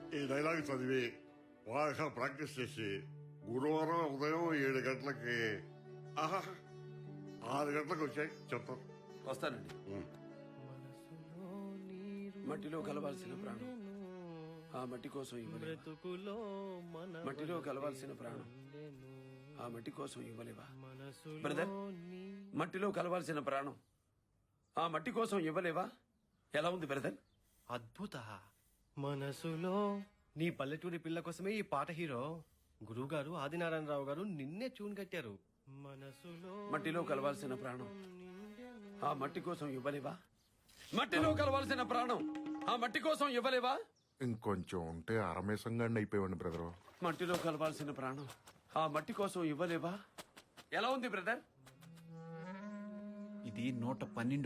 ఈ డైలాగ్ చదివి బాగా ప్రాక్టీస్ చేసి గురువారం ఉదయం 7 గంటలకి 6 గంటలకు వచ్చాయి చెప్తాను. వస్తానండి. మట్టిలో కలవాల్సిన ప్రాణం ఆ మట్టి కోసం ఇవ్వలేవా? మట్టిలో కలవాల్సిన ప్రాణం ఆ మట్టి కోసం ఇవ్వలేవా? బ్రదర్, మట్టిలో కలవాల్సిన ప్రాణం ఆ మట్టి కోసం ఇవ్వలేవా? ఎలా ఉంది బ్రదర్? అద్భుత. మనసులో నీ పల్లెటూరి పిల్ల కోసమే ఈ పాట హీరో. గురువు గారు ఆదినారాయణరావు గారు నిన్నే ట్యూన్ కట్టారు. మనసులో మట్టిలో కలవాల్సిన ప్రాణం ఆ మట్టి కోసం ఇవ్వలేవా? మట్టిలో కలవాల్సిన ప్రాణం ఆ మట్టి కోసం ఇవ్వలేవా? ఇంకొంచెం ఉంటే అరమేసంగాడిని అయిపోయాడు బ్రదరు. మట్టిలో కలవాల్సిన ప్రాణం ఆ మట్టి కోసం ఇవ్వలేవా? ఎలా ఉంది బ్రదర్? ఇది 112